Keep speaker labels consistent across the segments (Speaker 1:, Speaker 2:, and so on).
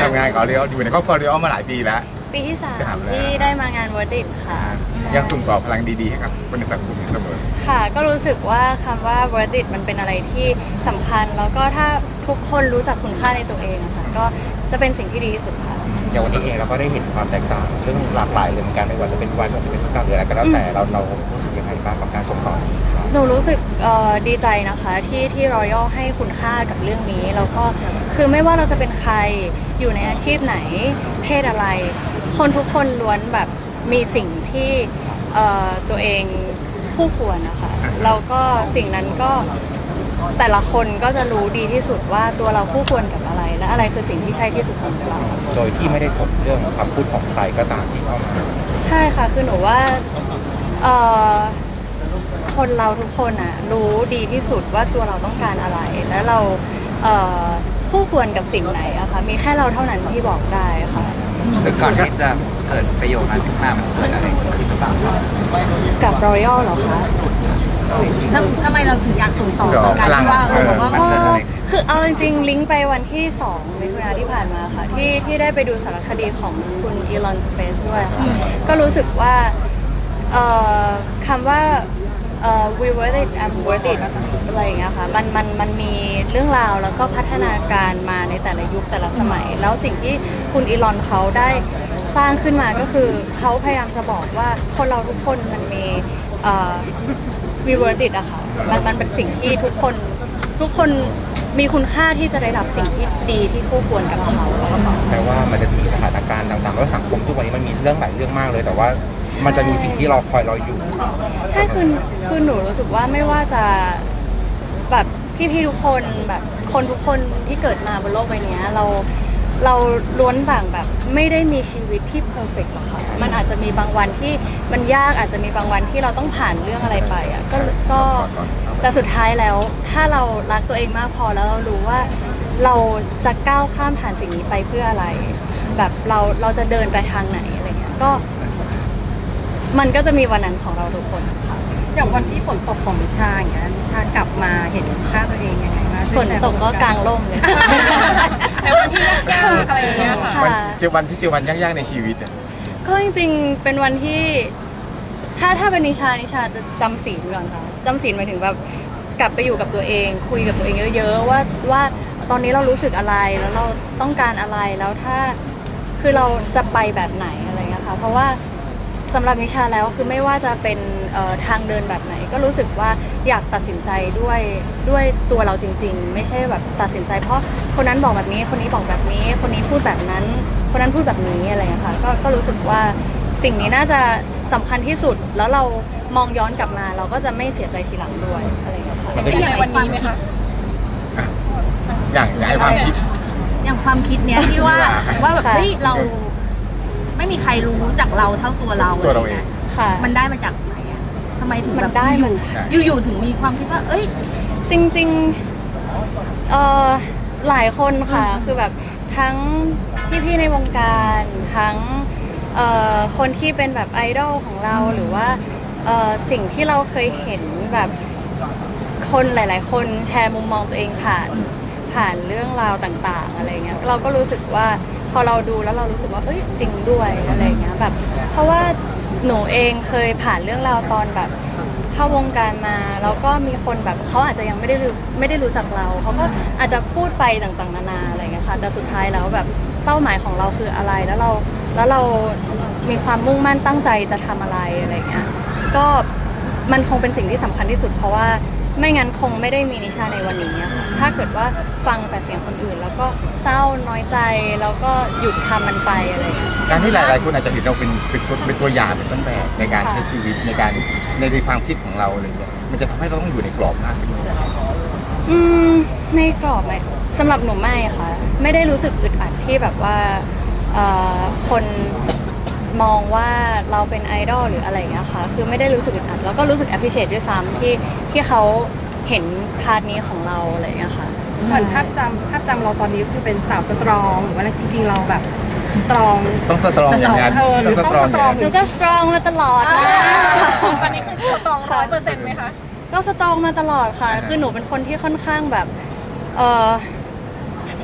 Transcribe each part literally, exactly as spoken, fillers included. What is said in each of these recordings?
Speaker 1: ทำงานกับเรียวอยู่ในครอบครัวเรียวมาหลายปีแล้ว
Speaker 2: ปีที่สาม
Speaker 1: ถามแล้ว
Speaker 2: ที่ได้มางานวอร์ดิตค่ะ
Speaker 1: ยังส่งต่อพลังดีๆให้กับคนในสังคมอยู่เสมอ
Speaker 2: ค่ะก็รู้สึกว่าคำว่าวอร์ดิตมันเป็นอะไรที่สำคัญแล้วก็ถ้าทุกคนรู้จักคุณค่าในตัวเองอะค่ะก็จะเป็นสิ่งที่ดีที่สุดค่ะ
Speaker 3: อย่างวันนี้เองเราก็ได้เห็นความแตกต่างเรื่องหลากหลายเลยเหมือนกันไม่ว่าจะเป็นวันไม่ว่าจะเป็นทุกการหรืออะไรก็แล้วแต่เราเรารู้สึกยังไงบ้างกับการส่งต่อนี้ครับ
Speaker 2: หนูรู้สึกดีใจนะคะที่ที่รอยัลให้คุณค่ากับเรื่องนี้แล้วก็คือไม่ว่าเราจะเป็นใครอยู่ในอาชีพไหนเพศอะไรคนทุกคนล้วนแบบมีสิ่งที่ตัวเองคู่ควรนะคะแล้วก็สิ่งนั้นก็แต่ละคนก็จะรู้ดีที่สุดว่าตัวเราคู่ควรกับอะไรและอะไรคือสิ่งที่ใช่ที่สุดสำหรับเรา
Speaker 3: โดยที่ไม่ได้สนเรื่องคำพูดของใครก็ตามที่เข้ามา
Speaker 2: ใช่ค่ะคือหนูว่าคนเราทุกคนอ่ะรู้ดีที่สุดว่าตัวเราต้องการอะไรและเราคู่ควรกับสิ่งไหนอะคะมีแค่เราเท่านั้นที่บอกได้ค่ะ
Speaker 4: หรือก่อนที่จะเกิดประโยคนั้นขึ้นมามันเกิดอะไรขึ้นหรือเปล่า
Speaker 2: กับรอยัลเหรอคะ
Speaker 5: ทำไมเราถึงอยากส่งต่อการที่ว่าเออว่า
Speaker 2: คือเอาจริงๆลิงก์ไปวันที่สองมิถุนายนที่ผ่านมาค่ะที่ที่ได้ไปดูสารคดีของคุณอีลอนสเปซด้วยค่ะก็รู้สึกว่าคำว่า we worth it I'm worth it อะไรอย่างเงี้ยค่ะมันมันมันมีเรื่องราวแล้วก็พัฒนาการมาในแต่ละยุคแต่ละสมัยแล้วสิ่งที่คุณอีลอนเขาได้สร้างขึ้นมาก็คือเขาพยายามจะบอกว่าคนเราทุกคนมันมีwe worth it อะค่ะมันมันเป็นสิ่งที่ทุกคนทุกคนมีคุณค่าที่จะได้รับสิ่งที่ดีที่คู่ควรกับเขา
Speaker 3: แปลว่ามันจะมีสถานการณ์ต่างๆแล้วสังคมทุกวันนี้มันมีเรื่องหลายเรื่องมากเลยแต่ว่ามันจะมีสิ่งที่เราคอยเราอยู่
Speaker 2: ใช่คือคือหนูรู้สึกว่าไม่ว่าจะแบบพี่ๆทุกคนแบบคนทุกคนที่เกิดมาบนโลกใบนี้เราเราล้วนต่างแบบไม่ได้มีชีวิตที่เพอร์เฟกต์หรอกค่ะมันอาจจะมีบางวันที่มันยากอาจจะมีบางวันที่เราต้องผ่านเรื่องอะไรไปอ่ะก็ก็แต่สุดท้ายแล้วถ้าเรารักตัวเองมากพอแล้วเรารู้ว่าเราจะก้าวข้ามผ่านสิ่งนี้ไปเพื่ออะไรแบบเราเราจะเดินไปทางไหนอะไรเงี้ยก็มันก็จะมีวันนั้นของเราทุกคนค่ะ
Speaker 5: อย่างวันที่ฝนตกของนิชาอย่างเงี้ยนิชากลับมาเห็นค่าตัวเองยังไงบ้าง
Speaker 2: ฝนตกก็กลางร่มเลย
Speaker 5: แต่วันที่ยากๆอะไรอย่างเงี้ย
Speaker 1: ค่ะเจอวันที่เจอวันยากๆในชีวิตอ่ะ
Speaker 2: ก็จริงๆเป็นวันที่ถ้าถ้าเป็นนิชานิชาจะจำศีลก่อนค่ะจำศีลหมายถึงแบบกลับไปอยู่กับตัวเองคุยกับตัวเองเยอะๆว่าว่าตอนนี้เรารู้สึกอะไรแล้วเราต้องการอะไรแล้วถ้าคือเราจะไปแบบไหนอะไรเงี้ยค่ะเพราะว่าสำหรับนิชาแล้วคือไม่ว่าจะเป็นทางเดินแบบไหนก็รู้สึกว่าอยากตัดสินใจด้วยด้วยตัวเราจริงๆไม่ใช่แบบตัดสินใจเพราะคนนั้นบอกแบบนี้คนนี้บอกแบบนี้คนนี้พูดแบบนั้นคนนั้นพูดแบบนี้อะไรอย่างเงี้ยค่ะก็ก็รู้สึกว่าสิ่งนี้น่าจะสำคัญที่สุดแล้วเรามองย้อนกลับมาเราก็จะไม่เสียใจทีหลังด้วยอะไรอย่างเงี้ยค่ะ
Speaker 5: จะอย่างวันนี้ไหมคะ
Speaker 1: อย่างอย่างความคิด
Speaker 5: อย่างความคิดเนี้ยที่ว่าว่าแบบเฮ้ยเราไม่มีใครรู้จักเราเท่าตัวเรา
Speaker 1: ตัวเราเอง
Speaker 2: ค่ะ
Speaker 5: มันได้มาจากไหนอ่ะทำไมถึงแบบ
Speaker 2: อยู่
Speaker 5: อยู่ถึงมีความคิดว่าเอ้ย
Speaker 2: จริงๆเอ่อหลายคนค่ะคือแบบทั้งพี่ๆในวงการทั้งเอ่อคนที่เป็นแบบไอดอลของเราหรือว่าเอ่อสิ่งที่เราเคยเห็นแบบคนหลายๆคนแชร์มุมมองตัวเองผ่านผ่านเรื่องราวต่างๆอะไรเงี้ยเราก็รู้สึกว่าพอเราดูแล้วเรารู้สึกว่าเอ้ยจริงด้วยอะไรเงี้ยแบบเพราะว่าหนูเองเคยผ่านเรื่องราวตอนแบบเข้าวงการมาแล้วก็มีคนแบบเขาอาจจะยังไม่ได้รู้ไม่ได้รู้จักเราเขาก็อาจจะพูดไปต่างๆนานาอะไรเงี้ยค่ะแต่สุดท้ายแล้วแบบเป้าหมายของเราคืออะไรแล้วเราแล้วเรามีความมุ่งมั่นตั้งใจจะทำอะไรอะไรเงี้ยก็มันคงเป็นสิ่งที่สำคัญที่สุดเพราะว่าไม่งั้นคงไม่ได้มีนิชาในวันนี้อะค่ะถ้าเกิดว่าฟังแต่เสียงคนอื่นแล้วก็เศร้าน้อยใจแล้วก็หยุดทำมันไปอะไรอย่างเงี้ย
Speaker 1: การที่หลายๆคนอาจจะเห็นเราเป็นเป็นเป็นตัวอย่างเป็นต้นแบบในการใช้ชีวิตในการในความคิดของเราอะไรอย่างเงี้ยมันจะทำให้เราต้องอยู่ในกรอบมากขึ้น
Speaker 2: อืมในกรอบไหมสำหรับหนูไม่ค่ะไม่ได้รู้สึกอึดอัดที่แบบว่าคนมองว่าเราเป็นไอดอลหรืออะไรอย่างเงี้ยค่ะคือไม่ได้รู้สึกอึดอัดแล้วก็รู้สึก appreciate ด้วยซ้ำที่ที่เขาเห็นพาร์ทนี้ของเราอะไรอย่างเงี้ยค่ะ
Speaker 5: เหมือนภาพจำภาพจำเราตอนนี้คือเป็นสาวสตรองหรือว่าจริงๆเราแบบสตรอง
Speaker 1: ต้องสตรองอย่างนั้น
Speaker 5: ต้องสตรอง
Speaker 2: หนูก็สตรองมาตลอด
Speaker 5: ตอนนี้คือสตรองร้อยเปอร์เซ็นต์ไหมคะ
Speaker 2: ก็สตรองมาตลอดค่ะคือหนูเป็นคนที่ค่อนข้างแบบเออ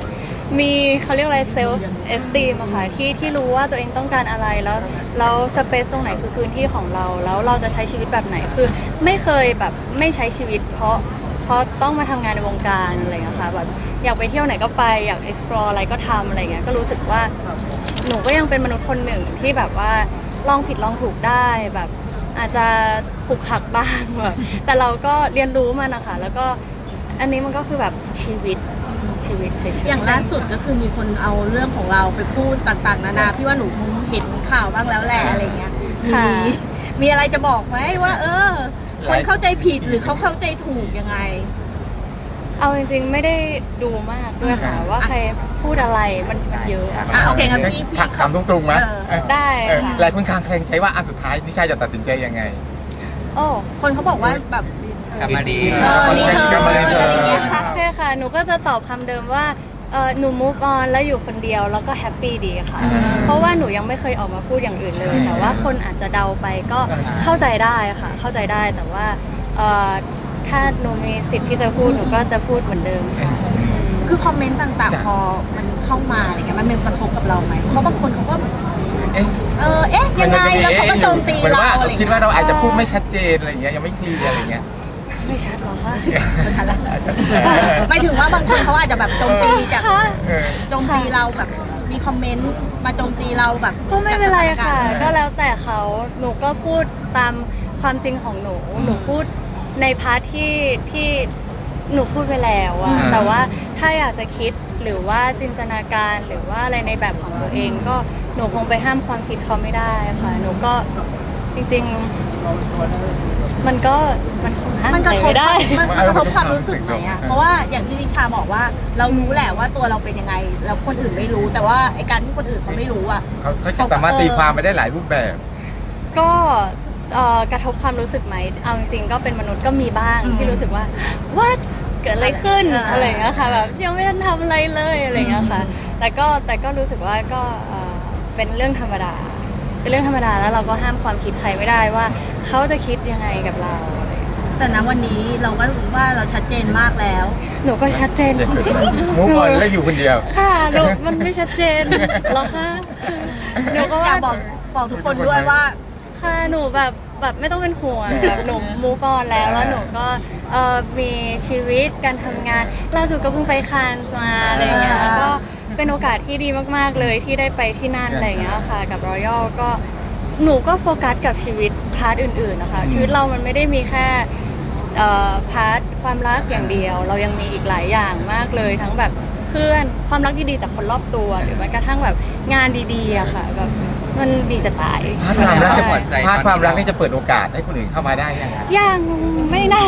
Speaker 2: มีเขาเรียกอะไรเซลฟ์เอสตีมอะค่ะที่ที่รู้ว่าตัวเองต้องการอะไรแล้วแล้วสเปซตรงไหนคือพื้นที่ของเราแล้วเราจะใช้ชีวิตแบบไหนคือไม่เคยแบบไม่ใช้ชีวิต เพราะเพราะต้องมาทำงานในวงการอะไรอย่างเงี้ยค่ะแบบอยากไปเที่ยวไหนก็ไปอยาก explore อะไรก็ทำอะไรเงี้ยก็รู้สึกว่าหนูก็ยังเป็นมนุษย์คนหนึ่งที่แบบว่าลองผิดลองถูกได้แบบอาจจะขลุกขลักบ้างแบบแต่เราก็เรียนรู้มันนะคะแล้วก็อันนี้มันก็คือแบบชีวิตชีวิตเฉยๆ
Speaker 5: อย่างล่าสุดก็คือมีคนเอาเรื่องของเราไปพูดต่างๆนานาพี่ว่าหนูคงเห็นข่าวบ้างแล้วแหละอะไรเงี้ยมี
Speaker 2: ค่ะ
Speaker 5: มีอะไรจะบอกไหมว่า เออ คนเข้าใจผิดหรือเขาเข้าใจถูกยังไง
Speaker 2: เอาจริงๆไม่ได้ดูมากด้วยค่ะ ว่าใครพูดอะไรมันมันเยอะอะ
Speaker 5: อ่ะโอเคงั้นพี่พี่
Speaker 1: ถามตรงๆไหม
Speaker 5: เออ
Speaker 2: ได้
Speaker 1: เออ
Speaker 2: ค่ะ
Speaker 1: หลายคนคลางแคลงใจว่าอันสุดท้ายนิชาจะตัดสินใจยังไง
Speaker 2: โอ้
Speaker 5: คนเขาบอกว่าแบบ
Speaker 4: กลับมาดี
Speaker 5: เออรีเทิ
Speaker 1: กลับมารี
Speaker 5: ร์น
Speaker 1: เทิร์น
Speaker 5: อะไรเงี้ยค่ะ
Speaker 2: โอเคค่ะ หนูก็จะตอบคำเดิมว่าเออหนู move on แล้วอยู่คนเดียวแล้วก็แฮปปี้ดีค่ะ
Speaker 1: อืม
Speaker 2: เพราะว่าหนูยังไม่เคยออกมาพูดอย่างอื่นเลย
Speaker 1: ใช่
Speaker 2: แต่ว่าคนอาจจะเดาไปก็
Speaker 1: ใช่
Speaker 2: เข้าใจได้ค่ะ เข้าใจได้แต่ว่าเออถ้าหนูมีสิทธิ์ที่จะพูดหนูก็จะพูดเหมือนเดิมค่ะ
Speaker 5: คือคอมเมนต์ต่างๆ พอมันเข้ามาอะไรเงี้ยมันมีกระทบกับเราไหมเพราะบางคนเขาก็
Speaker 1: เอ๊ะ
Speaker 5: เออเอ๊ะยังไงแล้วเขาก็โจมตี
Speaker 1: หมือน
Speaker 5: เรา
Speaker 1: ว่า
Speaker 5: อะไร
Speaker 1: คิด
Speaker 5: เงี้ย
Speaker 1: ว่าเราอาจจะพูดไม่ชัดเจนอะไรอย่างเงี้ยยังไม่เคลียร์อะไรอย่างเงี้ย
Speaker 2: ไม่ชัดหรอคะ
Speaker 5: หมายถึงว่าบางคนเขาอาจจะแบบโจมตีจาก
Speaker 1: เออ
Speaker 5: โจมตีเราแบบมีคอมเมนต์มาโจมตีเราแบบ
Speaker 2: ก็ไม่เป็นไรค่ะ
Speaker 5: จากสถานการณ์
Speaker 2: ก็แล้วแต่เขาหนูก็พูดตามความจริงของหนู หนูพูดในพาร์ทที่ที่หนูพูดไปแล้วอะ
Speaker 1: อืม
Speaker 2: แต่ว่าถ้าอยากจะคิดหรือว่าจินตนาการหรือว่าอะไรในแบบของตัวเอง ก็หนูคงไปห้ามความคิดเขาไม่ได้ค่ะ หนูก็จริงๆ มันก็มันคงห้าม
Speaker 5: มันกระทบ
Speaker 2: ไม่ได้
Speaker 5: มันมันกระทบความรู้สึกไหมอะเพราะว่าอย่างที่นิชาบอกว่าเรารู้แหละว่าตัวเราเป็นยังไงแล้วคนอื่นไม่รู้ แต่ว่าไอการที่คนอื่นเขาไม่รู้อะ
Speaker 1: เขาเขาจะสามารถตีความไปได้หลายรูปแบบ
Speaker 2: ก็เอ่อกระทบความรู้สึกไหม เอาจริงๆ ก็เป็นมนุษย์ก็มีบ้าง
Speaker 5: อืม
Speaker 2: ที่รู้สึกว่า what เกิดอะไรขึ้น
Speaker 5: อ่า
Speaker 2: อะไรอย่างเงี้ยค่ะแบบยังไม่ทันทำอะไรเลยอะไรอย่างเงี้ยค่ะ แต่ก็แต่ก็รู้สึกว่าก็เอ่อเป็นเรื่องธรรมดา เป็นเรื่องธรรมดาแล้วเราก็ห้ามความคิดใครไม่ได้ว่าเขาจะคิดยังไงกับเราอะไรอย่างเงี้ย
Speaker 5: แต่ณวันนี้เราก็รู้ว่าเราชัดเจนมากแล้ว
Speaker 2: หนูก็ชัดเจน
Speaker 1: เจ็ดสุดมูฟออนแล้วอยู่คนเดียว
Speaker 2: ค่ะหนูมันไม่ชัดเจนหรอกค่ะหนูก็
Speaker 5: อ
Speaker 2: ว่า
Speaker 5: ยากบอกบอกทุกคนด้วยว่า
Speaker 2: ค่ะหนูแบบแบบไม่ต้องเป็นห่วงแบบหนูมูฟออนแล้วแล้วหนูก็เอ่อมีชีวิตการทำงานล่าสุดก็เพิ่งไปคานส์มาอะไรอย่างเงี้ย
Speaker 5: อ่า
Speaker 2: ก็เป็นโอกาสที่ดีมากๆเลยที่ได้ไปที่นั่นอะไรอย่างเงี้ยค่ะกับรอยัลก็หนูก็โฟกัสกับชีวิตพาร์ทอื่นๆนะคะชีวิตเรามันไม่ได้มีแค่เอ่อพาร์ทความรักอย่างเดียว เรายังมีอีกหลายอย่างมากเลยทั้งแบบเพื่อนความรักดีๆจากคนรอบตัวหรือแม้กระทั่งแบบงานดีๆอะค่ะแบบมันดีจะตาย
Speaker 1: พาร์ทความรักจะ
Speaker 2: ใช่
Speaker 1: เปิดพาร์ทความรักนี่จะเปิดโอกาสให้คนอื่นเข้ามาได้ยังไง
Speaker 2: ยังไม่น่า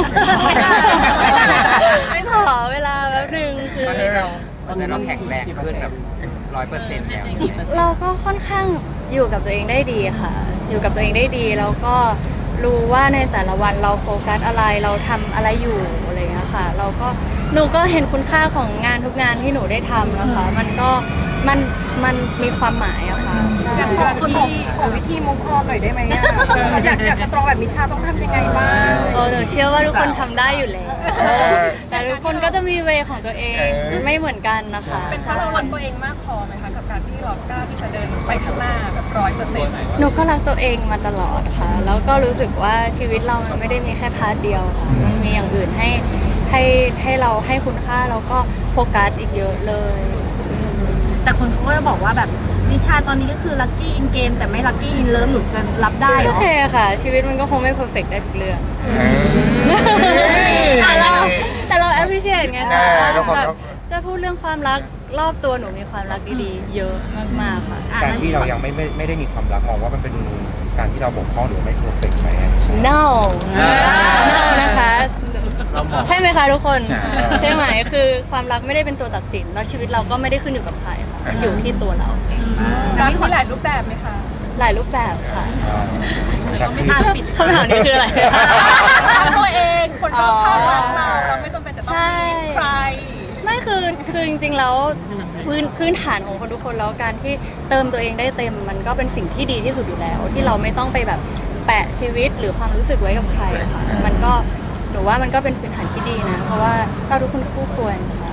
Speaker 2: ขอเวลาแป๊บนึงคือ
Speaker 4: ตอนนี้เราตอนนี้เราแข็งแรงขึ้นแบบร้อยเปอร์เซ็นต์แล้วใช่ไหม
Speaker 2: เราก็ค่อนข้างอยู่กับตัวเองได้ดีค่ะ อยู่กับตัวเองได้ดีแล้วก็รู้ว่าในแต่ละวันเราโฟกัสอะไรเราทำอะไรอยู่อะไรอย่างเงี้ยค่ะ เราก็หนูก็เห็นคุณค่าของงานทุกงานที่หนูได้ทำนะคะ มันก็มันมันมีความหมายอะค่ะใช่
Speaker 6: อยากขอขอขอวิธีมุกออนหน่อยได้ไหมอ่ะอยากอยากสตรองแบบมิชาต้องทำยังไงบ้าง
Speaker 2: เออหนูเชื่อว่าทุกคนทำได้อยู่แล้วแต่ทุกคนก็จะมีเวของตัวเอง
Speaker 1: เออ
Speaker 2: ไม่เหมือนกันนะคะ
Speaker 6: เป็นเพราะเรารักตัวเองมากพอไหมคะกับการที่เรากล้าที่จะเดินไปข้างหน้าแบบร้อยเปอร์เซ็นต์
Speaker 2: หนูก็รักตัวเองมาตลอดค่ะ แล้วก็รู้สึกว่าชีวิตเรามันไม่ได้มีแค่พาร์ทเดียวค่ะ มันมีอย่างอื่นให้ให้ให้เราให้คุณค่าแล้วก็โฟกัสอีกเยอะเลยอืม
Speaker 5: แต่คนเขาก็จะบอกว่าแบบนิชาตอนนี้ก็คือลัคกี้อินเกมแต่ไม่ลัคกี้อินเลิฟหนูจะรับได้เหร
Speaker 2: โอ
Speaker 5: อ
Speaker 2: เคค่ะ ชีวิตมันก็คงไม่เพอร์เฟกได้ทุกเรื่อง
Speaker 1: เออ
Speaker 2: แต่เราแต่เรา appreciate ไง
Speaker 1: ใช่
Speaker 2: คะ
Speaker 1: เราความ
Speaker 2: แบบ
Speaker 1: รัก
Speaker 2: จะพูดเรื่องความรักรอบตัวหนูมีความรักดีๆ เยอะมากๆค่ะ
Speaker 5: อ่ะ
Speaker 3: การที่เรายังไม่ไม่ไม่ได้มีความรักมองว่ามันเป็นการที่เราบกพร่องหรือไม่เพอร์เฟกต์ไหม
Speaker 2: no no นะคะ ใช่ไหมคะทุกคน
Speaker 1: ใช่
Speaker 2: ใช่ไหมคือความรักไม่ได้เป็นตัวตัดสิน แล้วชีวิตเราก็ไม่ได้ขึ้นอยู่กับใครค่ะมันอยู่ที่ตัวเรา
Speaker 6: รักมีหลายรูปแบบไหมคะ
Speaker 2: หลายรูปแบบค่ะ
Speaker 3: รักที่
Speaker 5: อ่ะปิด
Speaker 2: คำถามนี้คืออะไร
Speaker 6: รักตัวเองคนรอบข้างรักเราเราไม่จำเป็นจะต้อง
Speaker 2: ใช่
Speaker 6: มีใคร
Speaker 2: ไม่คือคือจริงๆแล้วพื้นพื้นฐานของคนทุกคนแล้วการที่เติมตัวเองได้เต็มมันก็เป็นสิ่งที่ดีที่สุดอยู่แล้ว ที่เราไม่ต้องไปแบบแปะชีวิตหรือความรู้สึกไว้กับใครค่ะ มันก็หนูว่ามันก็เป็นพื้นฐานที่ดีนะ เพราะว่าเราทุกคนคู่ควรค่ะ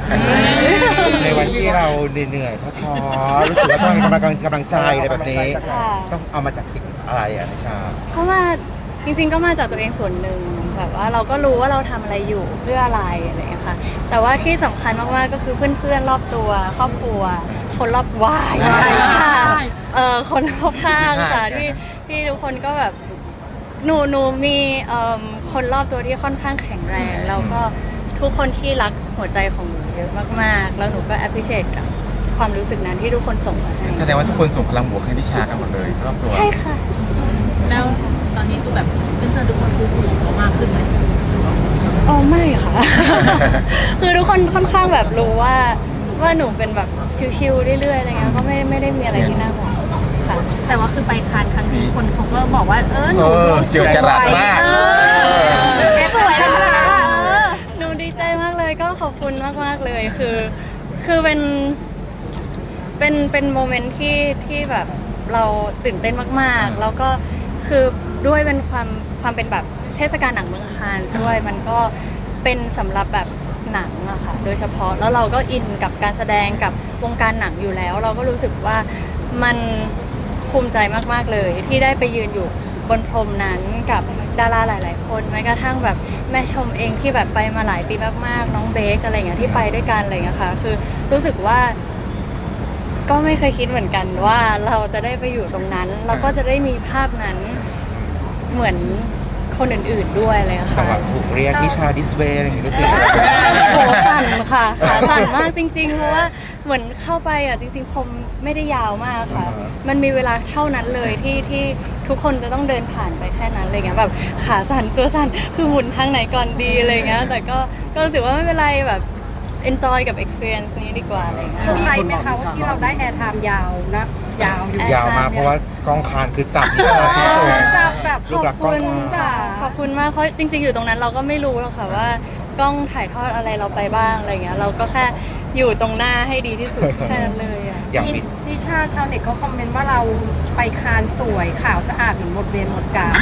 Speaker 3: ในวันที่เราเหนื่อยๆท้อๆรู้สึกว่าต้องมีกำลังกำลังใจอะไรแบบนี้
Speaker 2: ค่ะ
Speaker 3: ต้องเอามาจากสิ่งอะไรอ่ะนิชา
Speaker 2: ก็มาจริงๆก็มาจากตัวเองส่วนหนึ่งแบบว่าเราก็รู้ว่าเราทำอะไรอยู่เพื่ออะไรอะไรอย่างเงี้ยค่ะแต่ว่าที่สำคัญมากๆก็คือเพื่อนๆรอบตัวครอบครัว คนรอบวายค่ะเอ่อคนรอบข้างค่ะที่ที่ทุกคนก็แบบหนูหนูมีเอ่อคนรอบตัวที่ค่อนข้างแข็งแรงแล้วก็ทุกคนที่รักหัวใจของหนูเยอะมากๆแล้วหนูก็ appreciate กับความรู้สึกนั้นที่ทุกคนส่งมาให้
Speaker 1: แสดงว่าทุกคนส่งพลังบวกให้นิชากันหมดเลยรอบตัว
Speaker 2: ใช่ค่ะ
Speaker 6: แล้วตอนนี้คือแบบเพื่อนๆทุกคนคือห่วงเรามากขึ้นไหม
Speaker 2: อ๋อไม่ค่ะ คือทุกคนค่อนข้างแบบรู้ว่าว่าหนูเป็นแบบชิวๆเรื่อยๆอะไรเงี้ยก็ไม่ไม่ได้มีอะไรที่น่าห่วงค่ะ
Speaker 5: แต่ว่าคือไปคานครั้งนี้คนเขาก็บอกว่าเออหนู
Speaker 1: เออ
Speaker 5: ดู
Speaker 1: เกี่ยวจรัสมาก
Speaker 5: เออแกสวยแล้วนะเออ
Speaker 2: หนูดีใจมากเลยก็ขอบคุณมากๆเลยคือ คือเป็นเป็นเป็นโมเมนต์ที่ที่แบบเราตื่นเต้นมากๆ แล้วก็คือด้วยเป็นความความเป็นแบบเทศกาลหนังเมืองคานส์ด้วยมันก็เป็นสำหรับแบบหนังอะค่ะโดยเฉพาะแล้วเราก็อินกับการแสดงกับวงการหนังอยู่แล้ว เราก็รู้สึกว่ามันภูมิใจมากๆเลย ที่ได้ไปยืนอยู่บนพรมนั้นกับดาราหลาย ๆ คนแม้กระทั่งแบบแม่ชมเองที่แบบไปมาหลายปีมากๆ น้องเบคอะไรอย่างเงี้ยที่ไปด้วยกันอะไรอย่างเงี้ยค่ะคือรู้สึกว่า ก็ไม่เคยคิดเหมือนกันว่าเราจะได้ไปอยู่ตรงนั้นแล้วก็จะได้มีภาพนั้นเหมือนคนอื่นๆด้วยเลย
Speaker 3: จัง
Speaker 2: ค่ะ
Speaker 3: หวะถูกเรียกนิชาดิสเวย์อะไรอย่างงี้รู้สึก
Speaker 2: โหสั่นค่ะขาสั่นมากจริงๆ เพราะว่าเหมือนเข้าไปอ่ะจริงๆผมไม่ได้ยาวมากค่ะ มันมีเวลาเท่านั้นเลยที่ที่ทุกคนจะต้องเดินผ่านไปแค่นั้นอะไรเงี้ยแบบขาสั่นตัวสั่นคือหมุนทางไหนก่อนดีอะไรเงี้ยแต่ก็ก็รู้สึกว่าไม่เป็นไรแบบ enjoy กับ experience นี้ดีกว่าอะไรเงี้ย
Speaker 6: เซอร์ไพรส์ไหมคะว่าที่เราได้แอร์ไทม์ยาวนะยาวอยู่
Speaker 3: ยาวมากเพราะว่ากองคานคือจับนิชาที่สุด
Speaker 6: จับแบบ
Speaker 3: รูปลักษณ์กล้อง
Speaker 2: ขอบคุณค่ะขอบคุณมากเพราะจริงๆอยู่ตรงนั้นเราก็ไม่รู้หรอกค่ะว่ากล้องถ่ายทอดอะไรเราไปบ้างอะไรเงี้ยเราก็แค่อยู่ตรงหน้าให้ดีที่สุด แค่นั้นเลยอ่ะ
Speaker 3: อย่างปิด
Speaker 6: นิชาชาวเน็ตเขาคอมเมนต์ว่าเราไปคานสวยขาวสะอาดเหมือนหมดเวรหมดกาล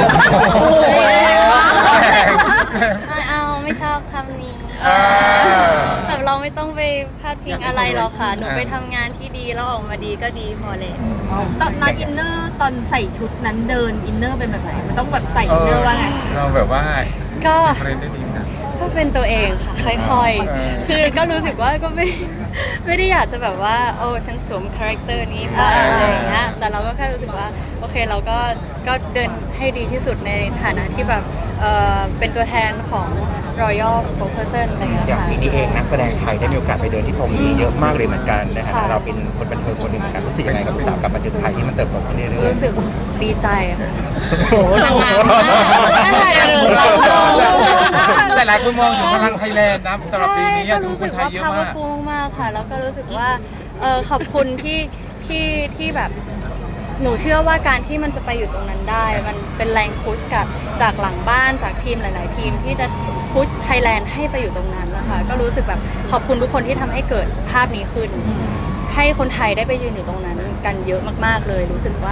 Speaker 2: ไม่เอาไม่ชอบคำนี้
Speaker 1: อ่า
Speaker 2: แบบเราไม่ต้องไปพาดพิงอะไรหรอกค่ะหนูไปทำงานที่ดีแล้วออกมาดีก็ดีพอเลย
Speaker 5: ตอนนั้นอินเนอร์ตอนใส่ชุดนั้นเดินอินเนอร์เป็นแบบไหนมันต้องแบบใส่อินเนอร์ว่าไง
Speaker 1: เราแบบว่า
Speaker 2: ก็
Speaker 1: เทรนได้ดีนะ
Speaker 2: ก็เป็นตัวเองค่ะค่อย
Speaker 1: เออ
Speaker 2: ๆ คือก็รู้สึกว่าก็ไม่ ไม่ได้อยากจะแบบว่าโอ้ฉันสวมคาแรคเตอร์นี้ไปอะไรอย่างเงี้ยแต่เราก็แค่รู้สึกว่าโอเคเราก็ก็เดินให้ดีที่สุดในฐานะที่แบบเออเป็นตัวแทนของ Royal Spokesperson อะไรอย่างเงี้ย
Speaker 3: อย่าง
Speaker 2: ค่ะ
Speaker 3: ปีนี้เองนักแสดงไทยได้มีโอกาสไปเดินที่พรมนี้เยอะมากเลยเหมือนกันนะฮะ
Speaker 2: ค่ะ
Speaker 3: เราเป็นคนบันเทิงคนหนึ่งเหมือนกันรู้สึกยังไงกับอุตสาหกรรมบันเทิงไทยที่มันเติบโตขึ้นเรื่อย
Speaker 2: รู้สึกดีใจค่ะ
Speaker 3: ๆโอ้โห
Speaker 2: ทำงานมากใช่เดี๋ยวเราเรา
Speaker 1: แต่หลายคนมองถึงพลังไทยแลนด์นะสำหรับปีนี้
Speaker 2: ก็
Speaker 1: ทุก
Speaker 2: รู้
Speaker 1: ค
Speaker 2: สึ
Speaker 1: น
Speaker 2: ก
Speaker 1: ไทย
Speaker 2: ว่า
Speaker 1: เยอะมาก
Speaker 2: powerful มากๆค่ะ แล้วก็รู้สึกว่าเออขอบคุณที่ที่ที่แบบหนูเชื่อว่าการที่มันจะไปอยู่ตรงนั้นได้ มันเป็นแรงพุชกับจากหลังบ้านจากทีมหลาย ๆ ทีมที่จะพุชไทยแลนด์ให้ไปอยู่ตรงนั้นนะคะก็รู้สึกแบบขอบคุณทุกคนที่ทำให้เกิดภาพนี้ขึ้น ให้คนไทยได้ไปยืนอยู่ตรงนั้นกันเยอะมากๆเลย รู้สึกว่า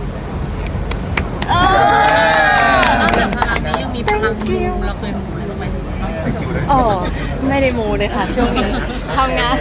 Speaker 6: นอกจากพลังนี้ยังมีพลังมูเราเคยมูอะไรบ้างไหม
Speaker 2: อ๋อไม่ได้มูเลยค่ะช่วงนี้ทำงาน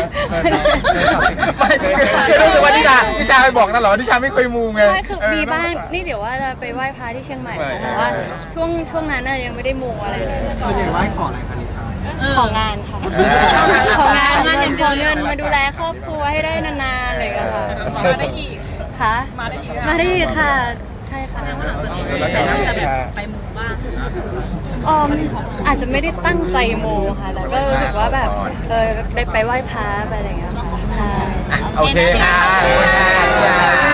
Speaker 1: ไม่คือรู้สึกว่านิชานิชาไปบอกตลอดนิชาไม่เคยมูไง
Speaker 2: ใช่คือ
Speaker 1: เ
Speaker 2: มีบ้างนี่เดี๋ยวว่าจะไปไหว้พระที่เชียงใหม่ค่ะ
Speaker 1: ไป
Speaker 2: แต่ว่าช่วงช่วงนั้นน่ะยังไม่ได้มูอะไรเลยส่วนใหญ่ไหว้ขออะไรคะนิชาของงานค่ะ
Speaker 1: เออ
Speaker 2: ของงานเงินขอเงินมาดูแลครอบครัวให้ได้นานๆอะไรอย่างเงี้ยค่ะ
Speaker 6: มาได้อีก
Speaker 2: ค่ะมาได้อีกค่ะ ใช่ค่ะ
Speaker 3: แล้วก็
Speaker 6: น่าจะแบบไปมูบ้าง
Speaker 2: ออมอาจจะไม่ได้ตั้งใจมูค่ะแต่ก็รู้สึกว่าแบบเออได้ไปไหว้พระไปอะไรอย่างเงี้ยค่ะใช่
Speaker 1: โอเคค่ะ